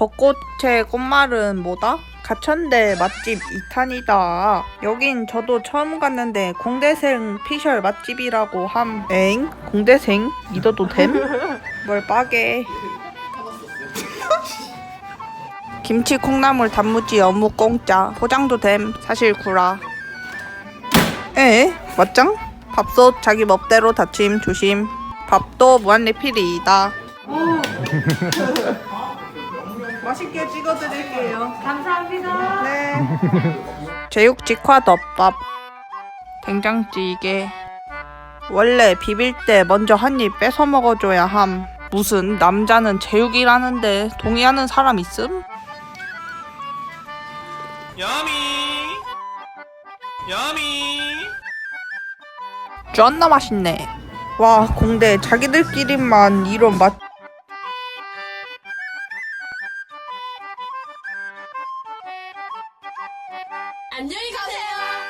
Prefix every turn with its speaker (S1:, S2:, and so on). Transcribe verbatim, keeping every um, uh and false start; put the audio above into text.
S1: 벚꽃의 꽃말은 뭐다? 가천대 맛집 이 탄이다. 여긴 저도 처음 갔는데 공대생 피셜 맛집이라고 함. 엥? 공대생? 믿어도 됨? 뭘 빠게. 김치 콩나물 단무지 어묵 공짜. 포장도 됨. 사실 구라. 에? 맞짱? 밥솥 자기 멋대로 닫힘 조심. 밥도 무한리필이다. 맛있게 찍어드릴게요.
S2: 감사합니다.
S1: 네. 제육 직화 덮밥. 된장찌개. 원래 비빌 때 먼저 한 입 뺏어 먹어줘야 함. 무슨 남자는 제육이라는데 동의하는 사람 있음?
S3: 야미 야미
S1: 존나 맛있네. 와, 공대 자기들끼리만 이런 맛.
S2: 안녕히 가세요.